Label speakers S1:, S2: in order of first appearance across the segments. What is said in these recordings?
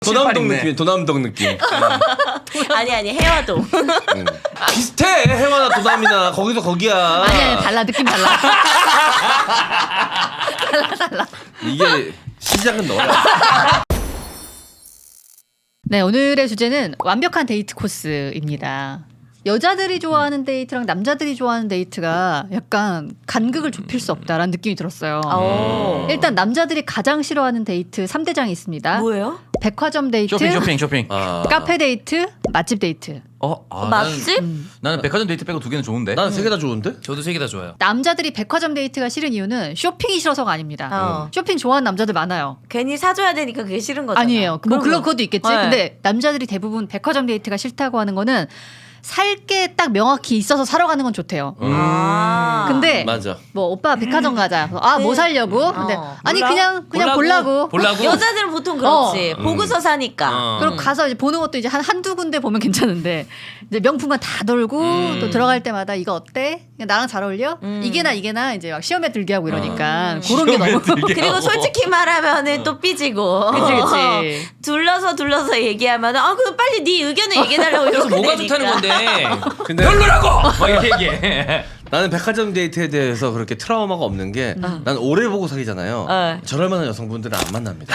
S1: 도남동 느낌, 도남동 느낌.
S2: 아니 해화동.
S1: 비슷해. 해와나 도남이나 거기서 거기야.
S3: 아니 달라 느낌 달라. 달라.
S1: 이게 시작은 너야.
S3: 네, 오늘의 주제는 완벽한 데이트 코스입니다. 여자들이 좋아하는 데이트랑 남자들이 좋아하는 데이트가 약간 간극을 좁힐 수 없다라는 느낌이 들었어요. 일단 남자들이 가장 싫어하는 데이트 3대장이 있습니다.
S2: 뭐예요?
S3: 백화점 데이트,
S4: 쇼핑.
S3: 카페 데이트, 맛집 데이트.
S2: 맛집?
S4: 나는 백화점 데이트 빼고 두 개는 좋은데.
S1: 나는 세 개 다 좋은데?
S5: 저도 세 개 다 좋아요.
S3: 남자들이 백화점 데이트가 싫은 이유는 쇼핑이 싫어서가 아닙니다. 쇼핑 좋아하는 남자들 많아요.
S2: 괜히 사줘야 되니까 그게 싫은 거잖아.
S3: 아니에요. 뭐 물론 그것도 있겠지.
S2: 네.
S3: 근데 남자들이 대부분 백화점 데이트가 싫다고 하는 거는 살 게 딱 명확히 있어서 사러 가는 건 좋대요. 근데
S1: 맞아.
S3: 뭐 오빠 백화점 가자. 뭐 살려고? 근데 아니
S2: 몰라?
S3: 그냥 보려고.
S2: 여자들은 보통 그렇지. 보고서 사니까.
S3: 그리고 가서 이제 보는 것도 이제 한두 군데 보면 괜찮은데 이제 명품만 다 돌고 또 들어갈 때마다 이거 어때? 그냥 나랑 잘 어울려? 이게나 이제 막 시험에 들게 하고 이러니까 그런 게 너무
S2: 그리고 솔직히 말하면은 또 삐지고.
S3: 그치.
S2: 둘러서 얘기하면은 그럼 빨리 네 의견을 얘기해달라고
S5: 그래서
S2: 이렇게
S5: 뭐가
S2: 되니까.
S5: 좋다는 건데
S1: 근데
S5: 별로라고! 막 이렇게 얘기해.
S1: 나는 백화점 데이트에 대해서 그렇게 트라우마가 없는 게 난 오래 보고 사귀잖아요. 저럴 만한 여성분들은 안 만납니다.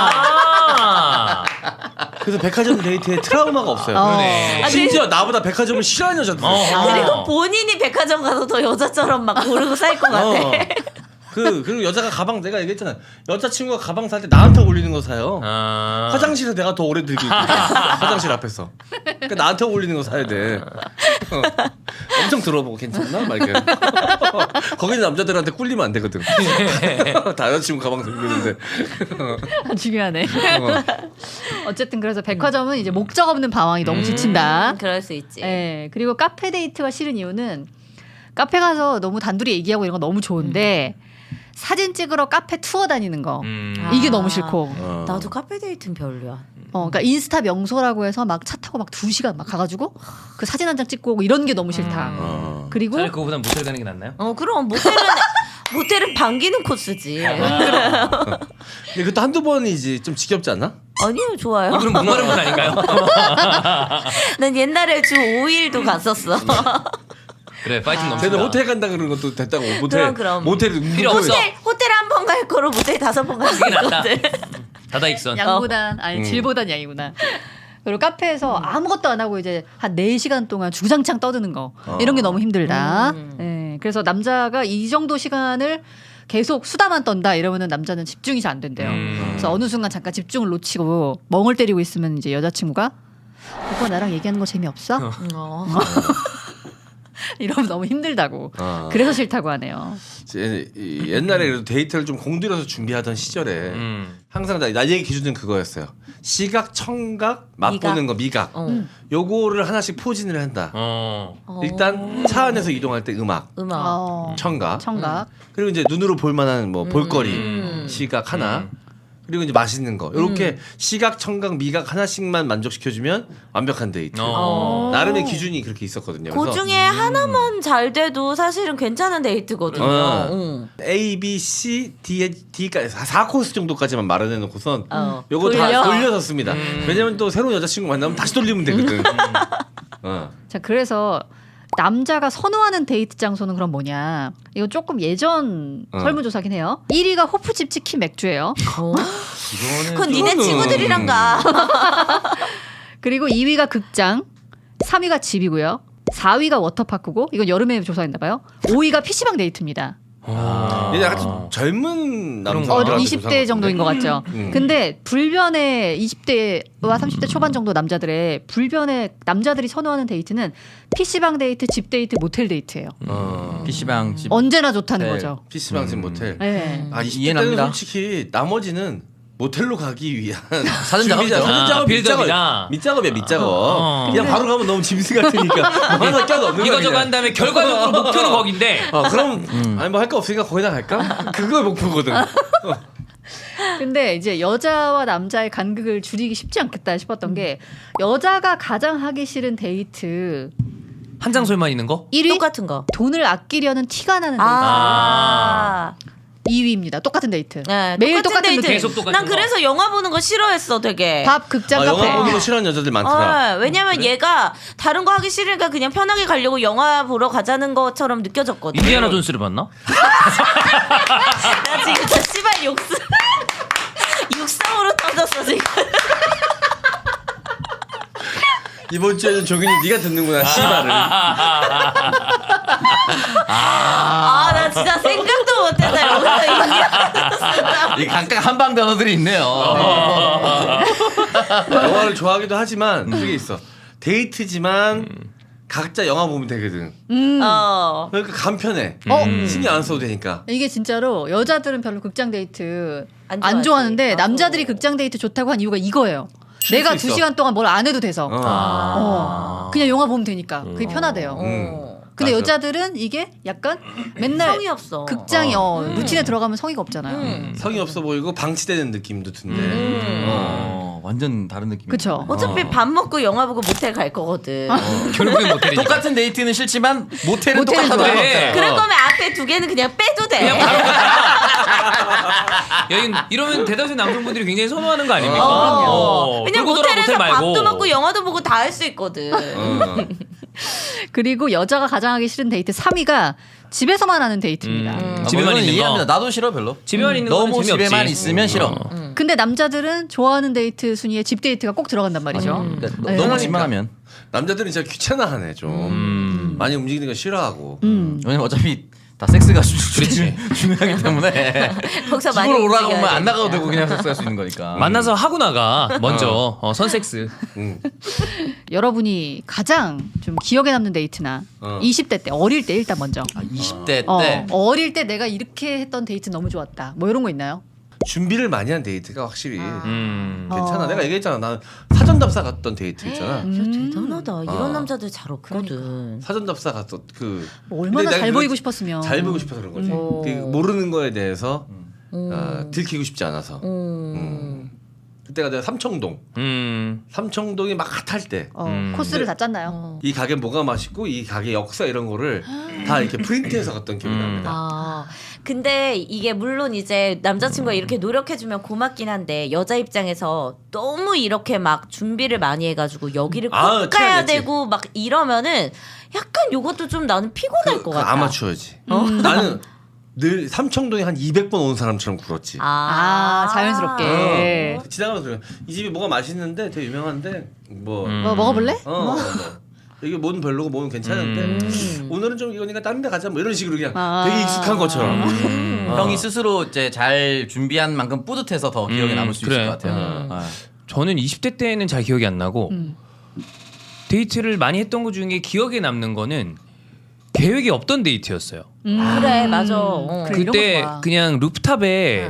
S1: 그래서 백화점 데이트에 트라우마가 없어요.
S5: 그러네.
S1: 심지어 나보다 백화점을 싫어하는 여자들.
S2: 그리고 본인이 백화점 가서 더 여자처럼 막 고르고 살 것 같아.
S1: 그리고 여자가 가방 내가 얘기했잖아. 여자친구가 가방 살 때 나한테 어울리는 거 사요. 화장실에 내가 더 오래 들고 있고 화장실 앞에서. 그러니까 나한테 어울리는 거 사야 돼. 엄청 들어보고 괜찮나? 막 이렇게. 거기는 남자들한테 꿀리면 안 되거든. 다 여자친구 가방 들고 있는데.
S3: 중요하네. 어쨌든 그래서 백화점은 이제 목적 없는 방황이 너무 지친다.
S2: 그럴 수 있지.
S3: 네, 그리고 카페 데이트가 싫은 이유는 카페 가서 너무 단둘이 얘기하고 이런 거 너무 좋은데 사진 찍으러 카페 투어 다니는 거 이게 너무 싫고.
S2: 나도 카페 데이트는 별로야.
S3: 그러니까 인스타 명소라고 해서 막 차 타고 막 2시간 막 가가지고 그 사진 한 장 찍고 오고 이런 게 너무 싫다. 그리고
S5: 차라리 그거보단 모텔 가는 게 낫나요?
S2: 그럼 모텔은 반기는 코스지.
S1: 근데 그것도 한두 번이지 좀 지겹지 않나?
S2: 아니요, 좋아요.
S5: 이분은 목마른 분 아닌가요?
S2: 난 옛날에 주 5일도 갔었어.
S5: 그래 파이팅
S1: 쟤는
S5: 넘친다.
S1: 호텔 간다 그러는 것도 됐다고.
S2: 그럼.
S1: 모텔이
S5: 필요 없어.
S2: 호텔 한 번 갈 거로 모텔 5번 갈 수
S5: 그게 낫다.
S2: 있거든.
S5: 다다익선.
S3: 양보단 아니 질보단 양이구나. 그리고 카페에서 아무것도 안 하고 이제 한 4시간 동안 주장창 떠드는 거 이런 게 너무 힘들다. 네, 그래서 남자가 이 정도 시간을 계속 수다만 떤다 이러면은 남자는 집중이 잘 안 된대요. 그래서 어느 순간 잠깐 집중을 놓치고 멍을 때리고 있으면 이제 여자친구가 오빠 나랑 얘기하는 거 재미없어? 이러면 너무 힘들다고. 그래서 싫다고 하네요.
S1: 옛날에 그래도 데이트를 좀 공들여서 준비하던 시절에 항상 나의 기준은 그거였어요. 시각, 청각, 맛보는 거, 미각. 요거를 하나씩 포진을 한다. 일단 차 안에서 이동할 때 음악. 청각. 그리고 이제 눈으로 볼 만한 뭐 볼거리, 시각 하나. 그리고 이제 맛있는 거. 이렇게 시각, 청각, 미각 하나씩만 만족시켜주면 완벽한 데이트. 나름의 기준이 그렇게 있었거든요.
S2: 그 중에 하나만 잘 돼도 사실은 괜찮은 데이트거든요.
S1: A, B, C, D까지 4코스 정도까지만 마련해놓고선 요거
S2: 돌려?
S1: 다 돌려서 씁니다. 왜냐면 또 새로운 여자친구 만나면 다시 돌리면 되거든.
S3: 자, 그래서 남자가 선호하는 데이트 장소는 그럼 뭐냐? 이거 조금 예전 설문조사긴 해요. 1위가 호프집 치킨 맥주예요.
S2: 그건 니네 친구들이랑 가.
S3: 그리고 2위가 극장, 3위가 집이고요. 4위가 워터파크고 이건 여름에 조사했나 봐요. 5위가 PC방 데이트입니다.
S1: 얘 약간 좀 젊은 남자.
S3: 20대 정도인 것 같죠. 근데 불변의 20대와 30대 초반 정도 남자들의 불변의 남자들이 선호하는 데이트는 PC방 데이트, 집 데이트, 모텔 데이트예요.
S4: PC방 집.
S3: 언제나 좋다는 거죠.
S1: PC방 집 모텔.
S3: 네.
S1: 20대
S4: 이해는
S1: 때는
S4: 합니다.
S1: 솔직히 나머지는 모텔로 가기 위한
S4: 사전 작업이죠.
S1: 사전 작업
S5: 빌드업이다.
S1: 밑작업이야 밑작업. 그냥 바로 가면 너무 짐승 같으니까 뭐 하나 껴넣는 거야.
S5: 이거저거 한 다음에 결과적으로 목표는 거긴데.
S1: 그럼 아니 뭐 할 거 없으니까 거기다 갈까? 그거 목표거든.
S3: 근데 이제 여자와 남자의 간극을 줄이기 쉽지 않겠다 싶었던 게 여자가 가장 하기 싫은 데이트
S5: 한 장소에만 있는 거?
S3: 1위
S2: 똑같은 거.
S3: 돈을 아끼려는 티가 나는 데이트. 2위입니다. 똑같은 데이트.
S2: 네,
S3: 매일 똑같은
S2: 데이트.
S3: 루틴.
S5: 계속 똑같은
S2: 난
S5: 거.
S2: 그래서 영화 보는 거 싫어했어, 되게.
S3: 밥, 극장, 카페.
S1: 영화 보는 거 싫어하는 여자들 많더라.
S2: 왜냐면 얘가 다른 거 하기 싫으니까 그냥 편하게 가려고 영화 보러 가자는 것처럼 느껴졌거든.
S5: 인디아나 존스를 봤나?
S2: 나 지금 저 씨발 육성으로 터졌어 지금.
S1: 이번 주에는 종윤이 네가 듣는구나 씨발을.
S2: 나 진짜 생각도 못했다 여기서 인디아나
S4: 이 각각 한방 단어들이 있네요.
S1: 영화를 좋아하기도 하지만 그게 있어. 데이트지만 각자 영화 보면 되거든. 그러니까 간편해. 신경 안 써도 되니까.
S3: 이게 진짜로 여자들은 별로 극장 데이트
S2: 안
S3: 안
S2: 좋아하지.
S3: 좋아하는데
S2: 나도.
S3: 남자들이 극장 데이트 좋다고 한 이유가 이거예요.
S1: 쉴
S3: 내가
S1: 수
S3: 2시간 동안 뭘 안 해도 돼서.
S1: 어.
S3: 그냥 영화 보면 되니까. 그게 편하대요. 근데
S1: 맞아.
S3: 여자들은 이게 약간 맨날
S2: 성의 없어.
S3: 극장이 루틴에 들어가면 성의가 없잖아요.
S1: 성의 없어 보이고 방치되는 느낌도 든데.
S4: 완전 다른 느낌.
S3: 그쵸.
S2: 어차피 밥 먹고 영화 보고 모텔 갈 거거든.
S5: 결국엔 모텔이니까.
S4: 똑같은 데이트는 싫지만 모텔은
S3: 모텔은
S4: 똑같아.
S5: 좋아해.
S2: 그럴 거면 앞에 두 개는 그냥 빼도 돼.
S5: 그냥 바로 여긴 이러면 대다수 남성분들이 굉장히 선호하는 거 아닙니까?
S2: 왜냐면
S5: 돌고 돌아
S2: 모텔에서
S5: 모텔 말고.
S2: 밥도 먹고 영화도 보고 다 할 수 있거든.
S3: 그리고 여자가 가장 하기 싫은 데이트 3위가 집에서만 하는 데이트입니다.
S5: 집에만
S4: 이건
S5: 있는
S4: 이해합니다.
S5: 거.
S4: 나도 싫어 별로.
S5: 집에만 있는 거는
S4: 너무
S5: 재미없지.
S4: 집에만 있으면 싫어.
S3: 근데 남자들은 좋아하는 데이트 순위에 집 데이트가 꼭 들어간단 말이죠.
S4: 그러니까
S3: 네.
S4: 너무 집만 하면.
S1: 남자들은 진짜 귀찮아하네 좀. 많이 움직이는 거 싫어하고.
S4: 왜냐면 어차피 다 섹스가 중요하기 때문에
S2: 거기서 많이
S4: 집으로 오라고
S2: 움직여야
S4: 하면 안 나가도
S2: 되니까.
S4: 되고 그냥 섹스할 수 있는 거니까.
S5: 만나서 하고 나가 먼저 선섹스.
S3: 여러분이 가장 좀 기억에 남는 데이트나 20대 때 어릴 때 일단 먼저
S4: 20대 때
S3: 어릴 때 내가 이렇게 했던 데이트 너무 좋았다. 뭐 이런 거 있나요?
S1: 준비를 많이 한 데이트가 확실히
S5: 음.
S1: 괜찮아. 내가 얘기했잖아. 나는 사전답사 갔던 데이트 있잖아.
S2: 진짜 대단하다. 이런
S1: 어.
S2: 남자들 잘 없거든.
S1: 사전답사 갔던 그.
S3: 뭐 얼마나
S1: 근데 내가
S3: 잘
S1: 그거
S3: 보이고 싶었으면.
S1: 잘 보이고 싶어서 그런 거지. 그 모르는 거에 대해서 들키고 싶지 않아서. 그때가 내가 삼청동. 삼청동이 막 핫할 때.
S3: 코스를 다 짰나요?
S1: 이 가게 뭐가 맛있고 이 가게 역사 이런 거를 다 이렇게 프린트해서 갔던 기억이 납니다.
S2: 근데 이게 물론 이제 남자친구가 이렇게 노력해주면 고맙긴 한데 여자 입장에서 너무 이렇게 막 준비를 많이 해가지고 여기를 꼭 가야
S1: 티가 내지.
S2: 되고 막 이러면은 약간 요것도 좀 나는 피곤할 것 같아.
S1: 아마추어지. 나는 늘 삼청동에 한 200번 온 사람처럼 굴었지.
S3: 자연스럽게.
S1: 지나가면서 그래. 이 집이 뭐가 맛있는데 되게 유명한데 뭐
S3: 뭐 먹어볼래?
S1: 이게 뭐는 별로고 뭐는 괜찮은데 오늘은 좀 이거니까 다른 데 가자 뭐 이런 식으로 그냥 되게 익숙한 것처럼.
S4: 형이 스스로 이제 잘 준비한 만큼 뿌듯해서 더 기억에 남을 수
S5: 그래.
S4: 있을 것 같아요.
S5: 저는 20대 때는 잘 기억이 안 나고 데이트를 많이 했던 것 중에 기억에 남는 거는 계획이 없던 데이트였어요.
S2: 그래 맞아.
S3: 그래, 이런
S5: 그때
S3: 거 좋아.
S5: 그냥 루프탑에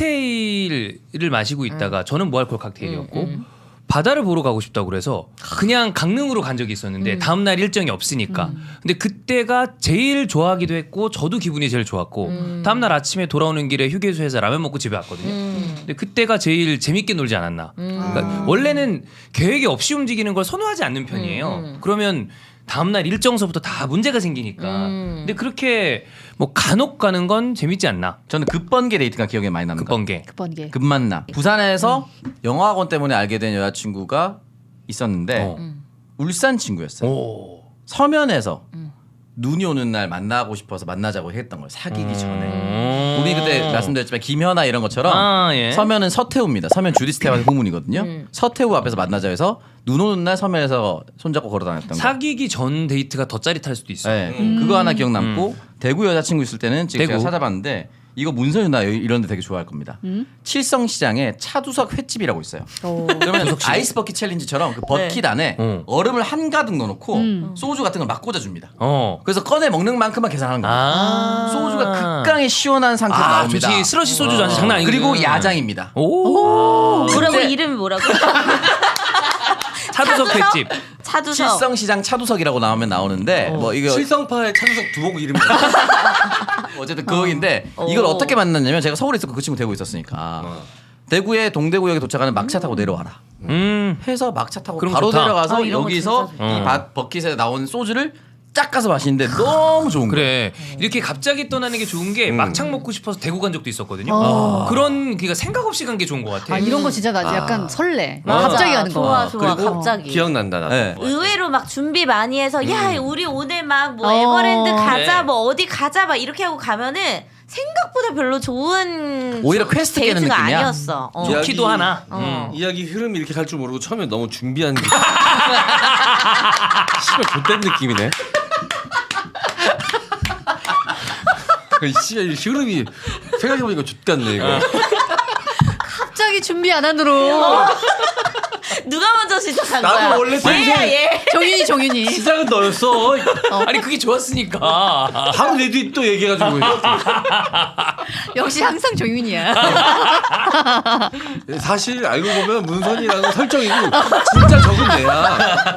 S5: 칵테일을 마시고 있다가 저는 무알콜 칵테일이었고 바다를 보러 가고 싶다고 그래서 그냥 강릉으로 간 적이 있었는데 다음날 일정이 없으니까 근데 그때가 제일 좋아하기도 했고 저도 기분이 제일 좋았고 다음날 아침에 돌아오는 길에 휴게소에서 라면 먹고 집에 왔거든요. 근데 그때가 제일 재밌게 놀지 않았나. 그러니까 원래는 계획이 없이 움직이는 걸 선호하지 않는 편이에요. 그러면 다음날 일정서부터 다 문제가 생기니까. 근데 그렇게 뭐 간혹 가는 건 재밌지 않나.
S4: 저는 급번개 데이트가 기억에 많이 남는 거.
S5: 급번개.
S3: 급번개.
S4: 급만남. 부산에서 영어학원 때문에 알게 된 여자친구가 있었는데 울산 친구였어요.
S5: 오.
S4: 서면에서 눈이 오는 날 만나고 싶어서 만나자고 했던 거예요. 사귀기 전에. 우리 그때 말씀드렸지만 김현아 이런 것처럼
S5: 예.
S4: 서면은 서태후입니다. 서면 주디 스테반의 후문이거든요. 서태후 앞에서 만나자 해서 눈 오는 날 서면에서 손잡고 걸어다녔던 거.
S5: 사귀기 전 데이트가 더 짜릿할 수도 있어요.
S4: 네, 그거 하나 기억 남고 대구 여자친구 있을 때는 지금
S5: 대구.
S4: 제가 찾아봤는데 이거 문서윤 나 이런 데 되게 좋아할 겁니다. 칠성시장에 차두석 횟집이라고 있어요. 그러면 아이스버킷 챌린지처럼 그 버킷 안에 얼음을 한가득 넣어놓고 소주 같은 걸 막 꽂아줍니다. 그래서 꺼내 먹는 만큼만 계산하는 겁니다. 소주가 극강의 시원한 상태로 나옵니다.
S5: 좋지. 스러시 소주 장난 아니고.
S4: 그리고 야장입니다.
S5: 오.
S2: 뭐라고 이름이 뭐라고?
S5: 차두석 횟집.
S2: 차두석.
S4: 칠성시장 차두석이라고 나오면 나오는데 뭐 이거
S1: 실성파의 차두석 두목 이름이
S4: 어쨌든 그거인데 이걸 어떻게 만났냐면 제가 서울에 있었고 그 친구 대구에 있었으니까 대구에 동대구역에 도착하는 막차 타고 내려와라 해서 막차 타고
S5: 그럼
S4: 바로
S5: 좋다.
S4: 내려가서
S2: 이런 거
S4: 여기서
S2: 진짜
S4: 이 버킷에 나온 소주를 쫙 가서 마시는데 너무 좋은 거예요.
S5: 그래 이렇게 갑자기 떠나는 게 좋은 게 막창 먹고 싶어서 대구 간 적도 있었거든요. 그런 그러니까 생각 없이 간 게 좋은 것 같아.
S3: 아 이런 거 진짜 나 약간 설레.
S2: 맞아.
S3: 갑자기 가는 거.
S2: 좋아
S1: 그리고
S2: 갑자기.
S1: 기억난다 나.
S4: 네.
S2: 의외로 막 준비 많이 해서 야 우리 오늘 막 뭐 에버랜드 가자
S5: 네.
S2: 뭐 어디 가자 막 이렇게 하고 가면은 생각보다 별로 좋은
S4: 오히려 퀘스트 깨는
S2: 데이트가
S4: 느낌이야.
S2: 아니었어.
S5: 키도 하나.
S1: 이야기 흐름이 이렇게 갈 줄 모르고 처음에 너무 준비한 게 씨발 좆된 느낌이네. 씨발 이 흐름이 생각해보니까 좆같네 이거.
S3: 갑자기 준비 안 하느로.
S2: 누가 먼저 시작한
S1: 나도
S2: 거야?
S1: 원래
S2: 얘야 얘.
S3: 종윤이.
S1: 시작은 너였어.
S5: 아니 그게 좋았으니까.
S1: 바로 내 뒤에 또 얘기해가지고.
S3: 역시 항상 종윤이야.
S1: 사실 알고 보면 문선이라는 설정이고 진짜 적은 애야.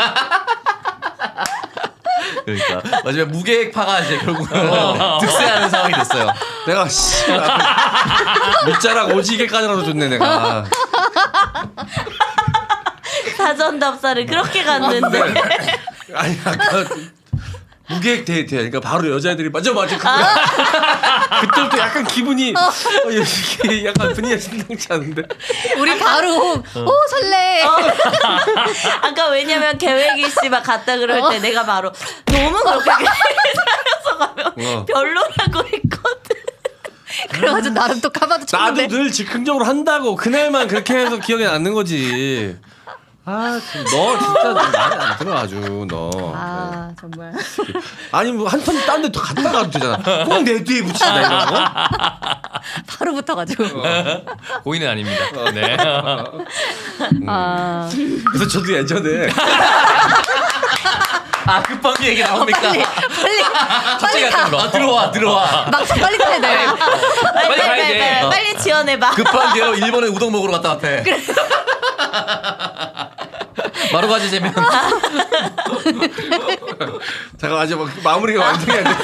S4: 그러니까 마지막에 무계획파가 이제 결국은 득세하는 상황이 됐어요.
S1: 내가 씨 밑자락 오지게까지라도 줬네 내가.
S2: 사전 답사를 그렇게 갔는데.
S1: 아니 아까 무계획 데이트야. 그러니까 바로 여자애들이 맞아 그거야. 그때부터 약간 기분이 이게 약간 분위기가 심상치 않은데.
S3: 우리 바로 오 설레.
S2: 아까 왜냐면 계획이 씨 막 갔다 그럴 때 내가 바로 너무 그렇게 살려서 가면 별로라고 했거든.
S3: 그래가지고 나름 또 카바도
S1: 나도
S3: 쳤는데.
S1: 늘 즉흥적으로 한다고 그날만 그렇게 해서 기억에 남는 거지. 아, 너 진짜 말이 안 들어 아주 너.
S3: 아 정말.
S1: 아니 뭐 한 턴 딴 데 더 갔다 가도 되잖아. 꼭 내 뒤에 붙인다 이런 거.
S3: 바로 붙어가지고.
S5: 고의는 아닙니다. 네.
S3: 아
S1: 그래서 저도 예전에
S4: 아 급하게 얘기 나옵니까?
S3: 빨리 가.
S4: 들어와.
S3: 막상 빨리 가야 돼.
S5: 빨리 가야 돼.
S2: 빨리 지원해봐.
S4: 급한 게로 일본에 우동 먹으러 갔다 왔대. 바로 가지 재면.
S1: 잠깐 아직 막 마무리가 완전히 안 돼.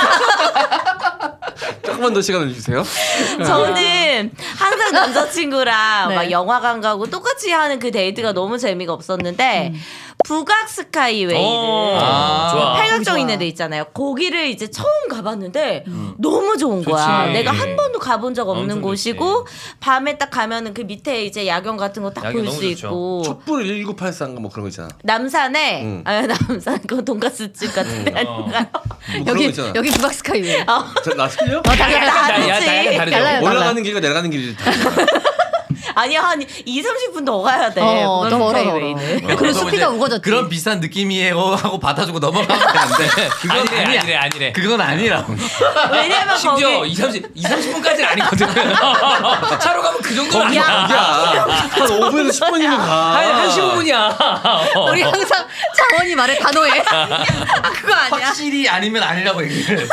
S1: 조금만 더 시간을 주세요.
S2: 저는 항상 남자친구랑
S3: 네.
S2: 막 영화관 가고 똑같이 하는 그 데이트가 너무 재미가 없었는데 북악 스카이웨이를
S5: 좋아.
S2: 팔각정 있는 데 있잖아요. 거기를 이제 처음 가봤는데 너무 좋은 거야.
S5: 좋지.
S2: 내가 한 번도 가본 적 없는
S5: 엄청
S2: 곳이고 밤에 딱 가면은 그 밑에 이제 야경 같은 거 딱
S5: 야경
S2: 볼
S5: 너무
S2: 수
S5: 좋죠.
S2: 있고
S1: 촛불 1984인가 뭐 그런 거 있잖아.
S2: 남산에 남산 그 돈가스집 같은데 아닌가요?
S1: 뭐 그런 거
S3: 여기
S1: 있잖아.
S3: 여기 북악 스카이웨이.
S1: 나 틀려?
S3: 달라.
S2: 다르지.
S5: 다르죠.
S3: 달라요.
S1: 올라가는 길과 내려가는 길이 다르잖아.
S2: 아니야 한 2-30분 더 가야 돼.
S3: 더
S2: 북악
S3: 멀어.
S2: 스카이웨이는.
S3: 그리고
S4: 그래서
S3: 숲이가
S4: 이제
S3: 우거졌지.
S4: 그런 비슷한 느낌이에요 하고 받아주고 넘어가면 되는데 그건
S5: 아니래.
S4: 그건 아니라고.
S2: 왜냐면
S5: 심지어
S2: 거기
S5: 20-30분까지는 아니거든. 차로 가면 그 정도는 아니야.
S1: 야, 한 5분에서 10분이면 가.
S5: 한 15분이야.
S3: 우리 항상 장원이 말에 단호해. 그거 아니야.
S4: 확실히 아니면 아니라고 얘기를.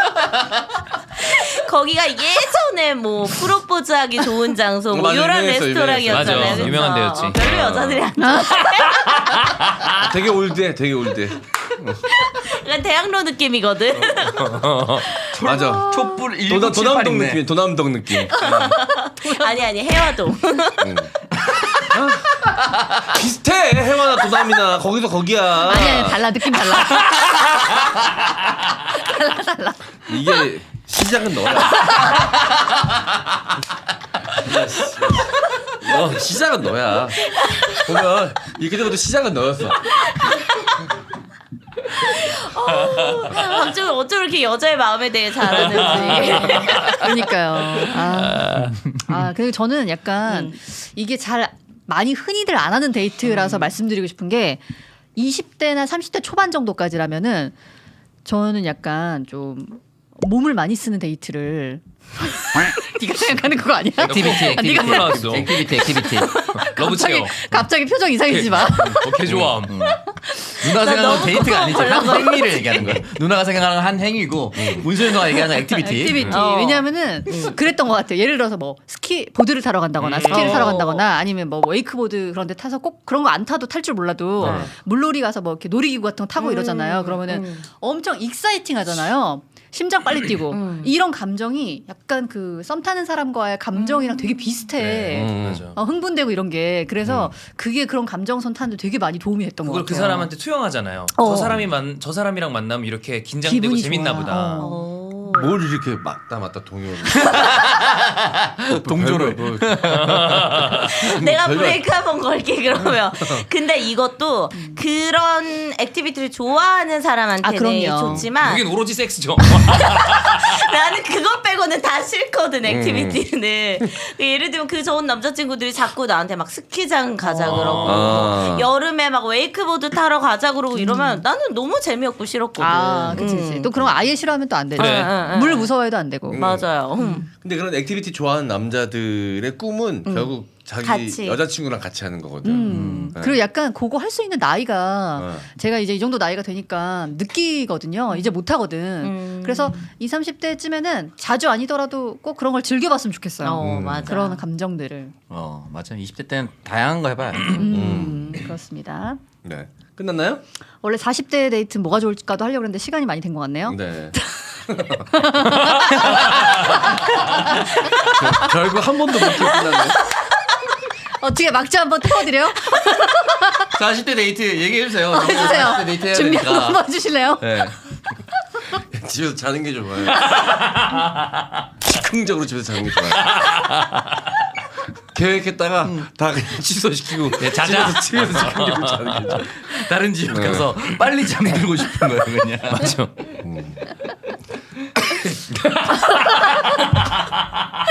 S2: 거기가 예전에 뭐 프로포즈하기 좋은 장소 뭐
S1: 맞아,
S2: 이런
S1: 유명했어,
S2: 레스토랑이었잖아요.
S5: 맞아,
S2: 그래서
S5: 유명한 데였지.
S2: 별로 여자들이 안
S1: 되게 올드해, 되게 올드해.
S2: 약간 대학로 느낌이거든.
S1: 맞아.
S4: 촛불
S1: 도남동
S4: 1978이네.
S1: 느낌, 도남동 느낌.
S2: 아니 해화동.
S1: 비슷해, 해와나 도남이나 거기서 거기야.
S3: 아니 달라 느낌 달라.
S1: 이게 시작은 너야. 시작은 너야. 보면 이렇게 되고도 시작은 너였어.
S2: 갑자기 어쩜 이렇게 여자의 마음에 대해 잘 아는지.
S3: 그러니까요. 그리고 저는 약간 이게 잘 많이 흔히들 안 하는 데이트라서 말씀드리고 싶은 게 20대나 30대 초반 정도까지라면은 저는 약간 좀 몸을 많이 쓰는 데이트를 네가 생각하는 그거 아니야?
S4: 액티비티.
S5: 네가 나왔어.
S4: 액티비티.
S5: 러브 체어.
S3: 갑자기 표정 이상해지지 마.
S5: 개 좋아함.
S4: 누나가 생각하는
S2: 너무
S4: 데이트가 아니지. 한
S2: 걸러서.
S4: 행위를 얘기하는 거야. 누나가 생각하는 한 행위고 문소연 누나가 얘기하는 액티비티.
S3: 왜냐하면은 그랬던 것 같아요. 예를 들어서 뭐 스키 보드를 타러 간다거나 스키를 타러 간다거나 아니면 뭐 웨이크보드 그런 데 타서 꼭 그런 거 안 타도 탈 줄 몰라도 물놀이 가서 뭐 이렇게 놀이기구 같은 거 타고 이러잖아요. 그러면은 엄청 익사이팅 하잖아요. 심장 빨리 뛰고 이런 감정이 약간 그 썸 타는 사람과의 감정이랑 되게 비슷해.
S5: 맞아.
S3: 흥분되고 이런 게 그래서 그게 그런 감정선 타는데 되게 많이 도움이 됐던 것
S5: 그걸
S3: 같아요.
S5: 그 사람한테 투영하잖아요. 저 사람이랑 만나면 이렇게 긴장되고
S3: 기분이
S5: 재밌나
S3: 좋아.
S5: 보다.
S1: 뭘 이렇게 맞다 동요를.
S4: 동조를.
S2: 내가 브레이크 한번 걸게 그러면. 근데 이것도 그런 액티비티를 좋아하는 사람한테는
S3: 그럼요.
S2: 좋지만
S5: 여긴 오로지 섹스죠.
S2: 나는 그것 빼고는 다 싫거든 액티비티는. 예를 들면 그 좋은 남자친구들이 자꾸 나한테 막 스키장 가자 그러고 여름에 막 웨이크보드 타러 가자 그러고 이러면 나는 너무 재미없고 싫었거든.
S3: 그치. 또 그런 거 아예 싫어하면 또 안 되죠.
S5: 그래.
S3: 물 무서워해도 안 되고.
S2: 맞아요.
S1: 근데 그런 액티비티 좋아하는 남자들의 꿈은 결국 자기
S2: 같이.
S1: 여자친구랑 같이 하는 거거든.
S3: 그리고 약간 그거 할 수 있는 나이가 제가 이제 이 정도 나이가 되니까 느끼거든요. 이제 못 하거든. 그래서 20, 30대쯤에는 자주 아니더라도 꼭 그런 걸 즐겨봤으면 좋겠어요.
S2: 맞아.
S3: 그런 감정들을.
S4: 맞아. 20대 때는 다양한 거 해봐요.
S3: 그렇습니다.
S1: 네. 끝났나요?
S3: 원래 40대 데이트는 뭐가 좋을까도 하려고 했는데 시간이 많이 된 것 같네요.
S1: 네. 결국 한 번도 못 끝났네.
S3: 어떻게 막자 한번 태워드려요?
S4: 40대 데이트 얘기해주세요.
S3: 해주세요.
S4: 40대 데이트 해야
S3: 준비
S4: 되니까.
S3: 한번 해주실래요?
S1: 네. 집에서 자는 게 좋아요. 즉흥적으로 집에서 자는 게 좋아요. 계획했다가 다 그냥 취소시키고
S5: 자자.
S1: 집에서 즉흥적으로 자는 게 좋아요.
S4: 다른 지역 가서 빨리 잠들고 싶은 거예요, 그냥.
S5: 맞아.